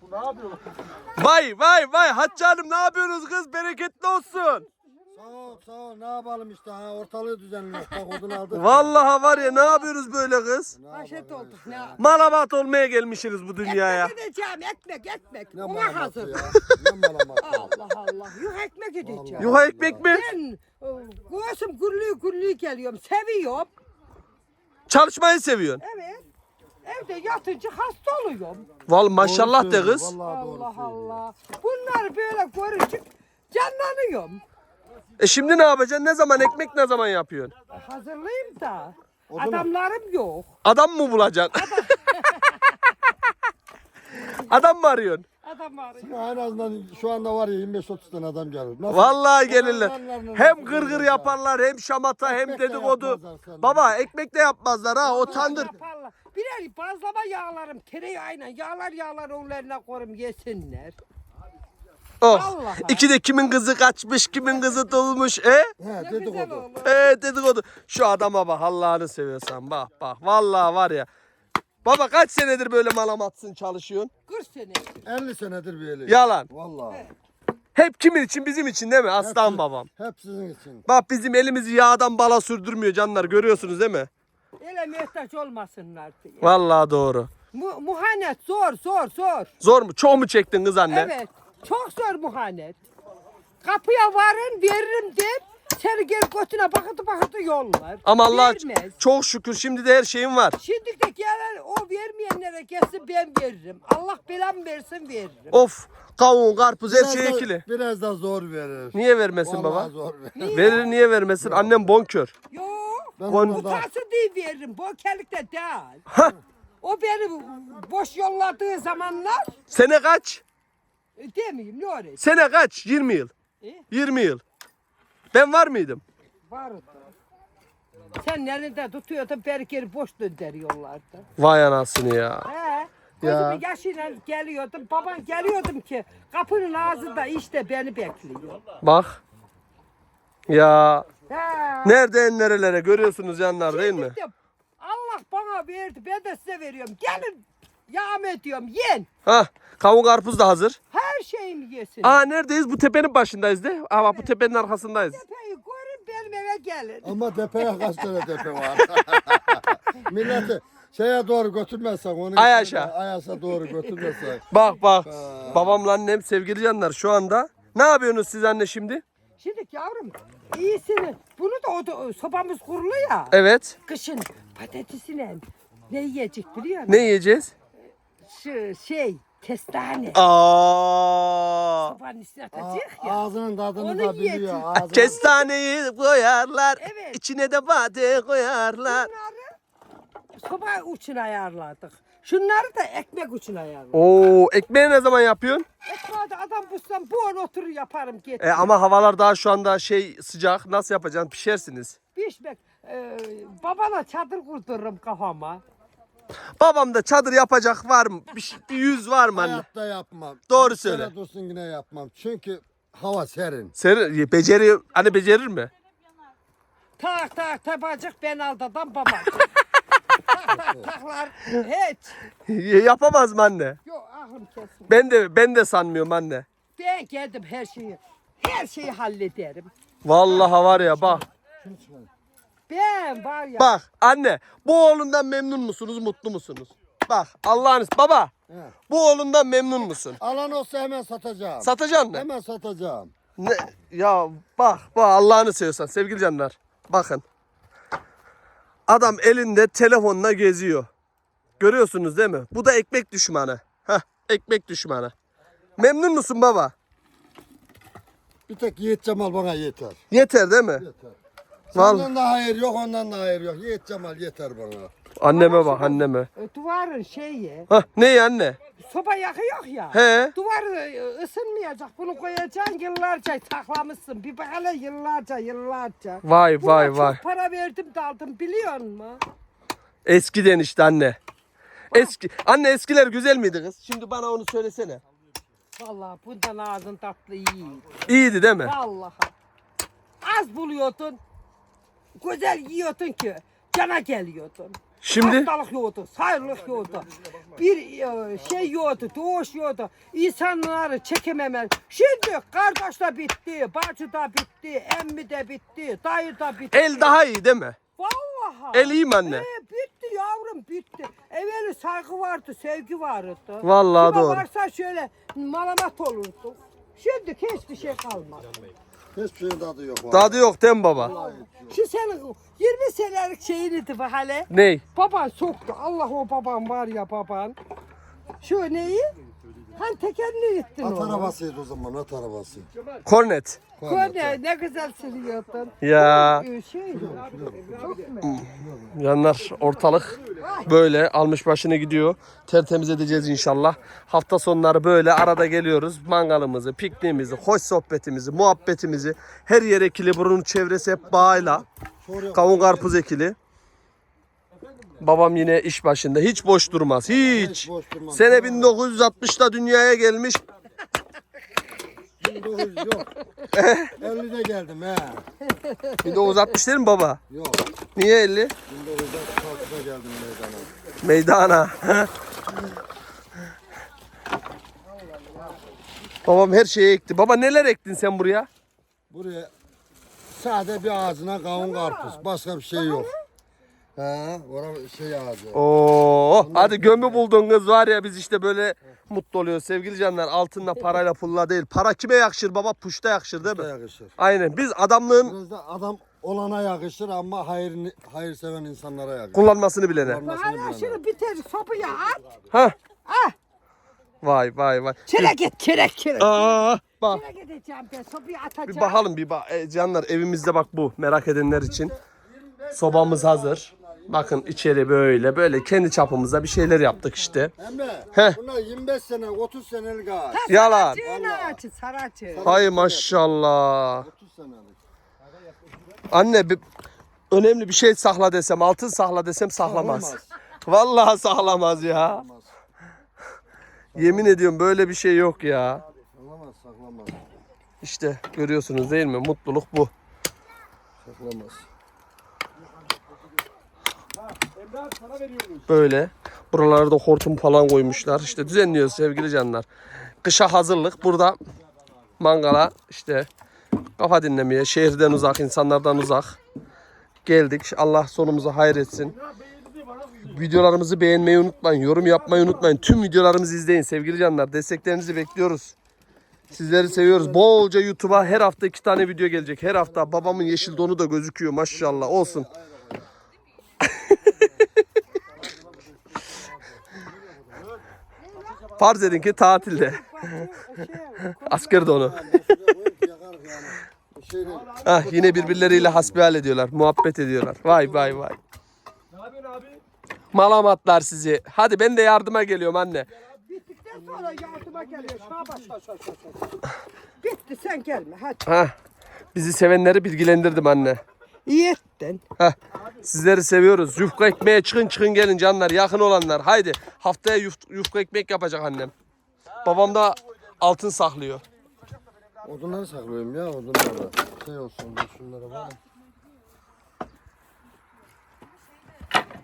Ne yapıyorsun? Vay Hatice Hanım, ne yapıyorsunuz kız? Bereketli olsun. Sağ ol ne yapalım işte ha, ortalığı düzenliyoruz. Bak odun aldık. Vallahi var ya, ne yapıyoruz böyle kız? Haşet olduk ne? Malabat olmaya gelmişsiniz bu dünyaya. Ekmek edeceğim ekmek. Ne Ona malamatı hazır. ya? Ne malamatı? Allah. Yuh ekmek edeceğim. Yuha ekmek mi? Ben göğsüm gürlüğü geliyorum. Seviyorum. Çalışmayı seviyorsun. Evet. Evde yatınca hasta oluyorum. Vallahi maşallah de kız. Vallahi doğru Allah söylüyor. Allah. Bunları böyle görünce canlanıyorum. Şimdi ne yapacaksın? Ne zaman ekmek, ne zaman yapıyorsun? Hazırlayayım da. O zaman- Adamlarım yok. Adam mı bulacaksın? Adam mı arıyorsun? Adam arıyor. En azından şu anda var ya 25-30 tane adam gelir. Nasıl? Vallahi gelirler. Adamlarla Hem nasıl gırgır gelirler yaparlar, hem şamata, hem Ekmek de dedikodu. yapmazlar senden. Baba ekmek de yapmazlar ha, o tandır. Yaparlar. Birer bazlama yağlarım, tereyağıyla yağlar onlarına koyayım yesinler. Oh. Vallahi. İkide kimin kızı kaçmış, kimin kızı dolmuş. He Ne güzel dedikodu. olur. Dedikodu. Şu adama bak, Allah'ını seviyorsan bak. Vallahi var ya. Baba kaç senedir böyle malamatsın çalışıyorsun? 40 sene. 50 senedir böyle. Yalan. Vallahi. Hep kimin için? Bizim için değil mi? Aslan Hepsi- babam. Hep sizin için. Bak bizim elimizi yağdan bala sürdürmüyor canlar, görüyorsunuz değil mi? Ele muhtaç olmasınlar diye. Vallahi doğru. Muhanet zor. Zor mu? Çok mu çektin kız anne? Evet. Çok zor muhanet. Kapıya varın veririm der. Seni geri götüne bakıtı yollar. Ama Allah Vermez. çok şükür şimdi de her şeyim var. Şimdi de gelen o vermeyenlere gelsin ben veririm. Allah belamı versin veririm. Of, kavun, karpuz her şey Biraz da- ekili. Biraz da zor verir. Niye vermesin Vallahi baba? zor verir. Verir, niye vermesin? Annem bonkör. Yok. Ben Kon- ona da- Utansın diye veririm. Bokerlikte değil. Hah, O beni boş yolladığı zamanlar sene kaç? demeyeyim ne orası. Sene kaç? 20 yıl. 20 yıl. Ben var mıydım? Vardı. Sen elinde tutuyordun beni geri boş döndürüyorlardı. Vay anasını ya. He. Gözümün yaşıyla geliyordum. Baban geliyordum ki kapının ağzında işte beni bekliyor. Bak. Ya He. nereden nerelere görüyorsunuz canlar değil mi? Şimdi de Allah bana verdi. Ben de size veriyorum. Gelin yağım ediyorum. Yen. Hah, kavun karpuz da hazır. Her şeyimi yesin. Aa, neredeyiz? Bu tepenin başındayız de. Aa bak, bu tepenin arkasındayız. Tepeyi görün benim eve gelin. Ama tepeye kaç tane tepe var. Milleti şeye doğru götürmezsek onu. Ayaşa. Ayaşa doğru götürmezsek. Bak. Babamla annem sevgili canlar şu anda. Ne yapıyorsunuz siz anne şimdi? Şimdi yavrum iyisini. Bunu da sobamız kurulu ya. Evet. Kışın patatesine ne yiyecek biliyor musun? Ne yiyeceğiz? Şu kestane. Aa. Sobanın üstüne atacak ya. Ağzının tadını Onu da biliyor. yiyecek. Ağzının... Kestaneyi koyarlar. Evet. İçine de bade koyarlar. Bunları soba uçun ayarladık. Şunları da ekmek uçun ayarladık. Oo, ekmeği ne zaman yapıyorsun? Ekmeği de adam bulsam bu an oturur yaparım getir. Ama havalar daha şu anda sıcak. Nasıl yapacaksın? Pişersiniz. Pişmek. Babana çadır kurdururum kafama. Babam da çadır yapacak var mı? Bir yüz var mı anne? Hayatta yapmam. Doğru Bir sene söyle. dursun yine yapmam. Çünkü hava serin. Sen becerir mi? Tak tabacık ben aldadan baba. Taklar hiç. Yapamaz mı anne? Yok aklım kesin. Ben de sanmıyorum anne. Ben geldim her şeyi hallederim. Vallahi var ya bak. Ben var ya. Bak anne, bu oğlundan memnun musunuz, mutlu musunuz? Bak Allah'ınız baba. He. Bu oğlundan memnun musun? Alan olsa hemen satacağım. Satacaksın mı? Hemen satacağım. Ne? Ya bak Allah'ını seviyorsan sevgili canlar. Bakın. Adam elinde telefonla geziyor. Görüyorsunuz değil mi? Bu da ekmek düşmanı. Heh, ekmek düşmanı. Memnun musun baba? Bir tek Yiğit Cemal bana yeter. Yeter değil mi? Yeter. Vallahi. Senden de hayır yok, ondan da hayır yok. Yiğit Cemal yeter bana. Anneme bak anneme. Duvarın şeyi. Hah, ne ya anne? Soba yakıyor ya. He. Duvar ısınmayacak. Bunu koyacaksın yıllarca saklamışsın. Bir bak hele yıllarca. Vay Buna vay vay. çok para verdim de aldım biliyor musun? Eskiden işte anne. Anne eskiler güzel miydi kız? Şimdi bana onu söylesene. Vallahi bundan ağzın tatlı iyi. İyiydi değil mi? Vallahi. Az buluyordun. Güzel yiyordun ki cana geliyordun. Şimdi Hastalık yoktu, sayılık yoktu. Bir şey yoktu, doğuş yoktu. İnsanları çekememez. Şimdi kardeş de bitti, bacı da bitti, emmi de bitti, dayı da bitti. el daha iyi değil mi? Vallahi. El iyi mi anne? Bitti yavrum bitti. Evveli saygı vardı, sevgi vardı. Vallahi Kime doğru. varsa şöyle malamat olurdu. Şimdi hiçbir şey kalmadı. Hiçbir şeyin tadı yok. vallahi. Tadı yok değil mi baba? Şu senin 20 senelik şeyiniydi bu hale. Ney? Baban soktu. Allah o baban var ya baban. Şu neyi? Hani tekerini yittin At onu. arabasıydı o zaman, at arabası. Kornet. Ne güzel sürüyordun. Ya. Şey, çok mu? Yanlar ortalık böyle almış başını gidiyor. Tertemiz edeceğiz inşallah. Hafta sonları böyle arada geliyoruz. Mangalımızı, pikniğimizi, hoş sohbetimizi, muhabbetimizi. Her yer ekili. Bunun çevresi hep bağıyla. Kavun karpuz ekili. Babam yine iş başında. Hiç boş durmaz. Hiç. boş durmaz. Sene 1960'da dünyaya gelmiş. 1900 yok. 50'de geldim he. 1960 değil mi baba? Yok. Niye 50? 1960'da geldim meydana. Meydana. Babam her şeyi ekti. Baba neler ektin sen buraya? Buraya sade bir ağzına kavun karpuz. Başka bir şey yok. He, orada şey ağacı. Oo, hadi gömü buldun kız var ya, biz işte böyle mutlu oluyoruz sevgili canlar. Altınla parayla pulla değil. Para kime yakışır baba? Puşta yakışır değil mi? Yakışır. Aynen. Biz adamlığın Biraz da adam olana yakışır ama hayır seven insanlara yakışır. kullanmasını bilene. Hala şunu bitir sopaya at. Ha. Ah. Vay vay vay. Çerek et çerek. Aa, bak. Çerek edeceğim ben sopaya atacağım. Bir bakalım bir bak. Canlar evimizde bak bu, merak edenler için. Sobamız hazır. Bakın içeri böyle kendi çapımızda bir şeyler yaptık işte. Emre, Heh. bunlar 25 sene, 30 senelik ağaç. Yalan. Saracı saracı. Hay maşallah. 30 senelik. Anne önemli bir şey sakla desem, altın sakla desem saklamaz. Saklamaz. Vallahi saklamaz ya. Yemin ediyorum böyle bir şey yok ya. Saklamaz. İşte görüyorsunuz değil mi? Mutluluk bu. Saklamaz. Böyle. Buralarda hortum falan koymuşlar. İşte düzenliyoruz sevgili canlar. Kışa hazırlık. Burada mangala işte kafa dinlemeye, şehirden uzak, insanlardan uzak geldik. Allah sonumuzu hayır etsin. Videolarımızı beğenmeyi unutmayın. Yorum yapmayı unutmayın. Tüm videolarımızı izleyin sevgili canlar. Desteklerinizi bekliyoruz. Sizleri seviyoruz. Bolca YouTube'a her hafta 2 tane video gelecek. Her hafta babamın yeşil donu da gözüküyor maşallah. Olsun. Farz edin ki tatilde. Asker donu. Ah, yine birbirleriyle hasbihal ediyorlar. Muhabbet ediyorlar. Vay vay vay. Malamatlar sizi. Hadi ben de yardıma geliyorum anne. Bittikten sonra yardıma geliyor. Şuna bak. Bitti sen gelme hadi. Hah. Bizi sevenleri bilgilendirdim anne. İyi ettin. Heh. Sizleri seviyoruz. Yufka ekmeğe çıkın gelin canlar. Yakın olanlar. Haydi. Haftaya yufka ekmek yapacak annem. Babam da altın saklıyor. Odunları saklıyorum ya, odunları. Şey olsun, şunlara var.